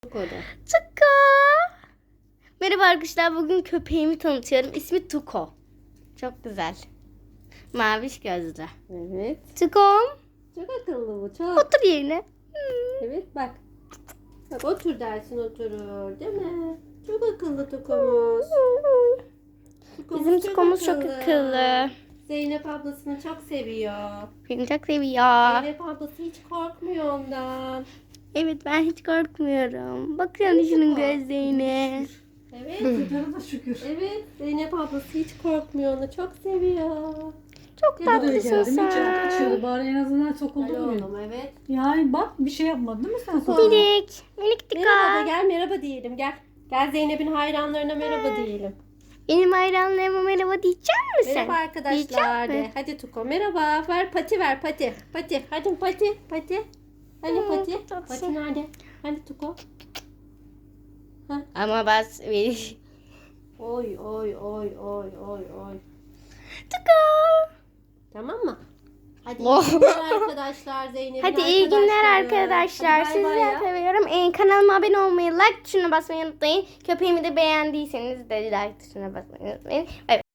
Tuko. Merhaba arkadaşlar. Bugün köpeğimi tanıtıyorum. İsmi Tuko. Çok güzel. Maviş gözlü. Evet. Tukom. Çok akıllı bu, çok. Otur yerine. Evet bak. Bak otur dersin oturur değil mi? Çok akıllı Tukomuz. Bizim Tukomuz çok akıllı. Zeynep ablasını çok seviyor. Beni çok seviyor. Zeynep ablası hiç korkmuyor ondan. Evet, ben hiç korkmuyorum. Bakın şunun gözlerine. Evet. Kurtarı da şükür. Evet. Zeynep ablası hiç korkmuyor onu. Çok seviyor. Çok Buraya tatlısın geldim. İçeri sen. kaçıyordu. Bari en azından sokuldu Alo buraya. oğlum evet. Yani bak bir şey yapmadı değil mi sen? Minik. Minik Tuko. Merhaba de gel merhaba diyelim gel. Gel Zeynep'in hayranlarına merhaba diyelim. Benim hayranlarıma merhaba diyecek misin? Merhaba arkadaşlar Diyecek de. mi? Hadi Tuko merhaba. Ver pati ver pati. Pati. Hadi pati. Pati. Hani pati. tatlısın. Pati nerede? Hani Tuko. Ama bas. Oy oy oy oy oy oy. Tuko. Tamam mı? Hadi Oh. iyi günler arkadaşlar Zeynep'in Hadi iyi günler arkadaşlar. Hadi bay bay Sizleri ya. seviyorum. Kanalıma abone olmayı, like tuşuna basmayı unutmayın. Köpeğimi de beğendiyseniz de like tuşuna basmayı unutmayın. Bay bay.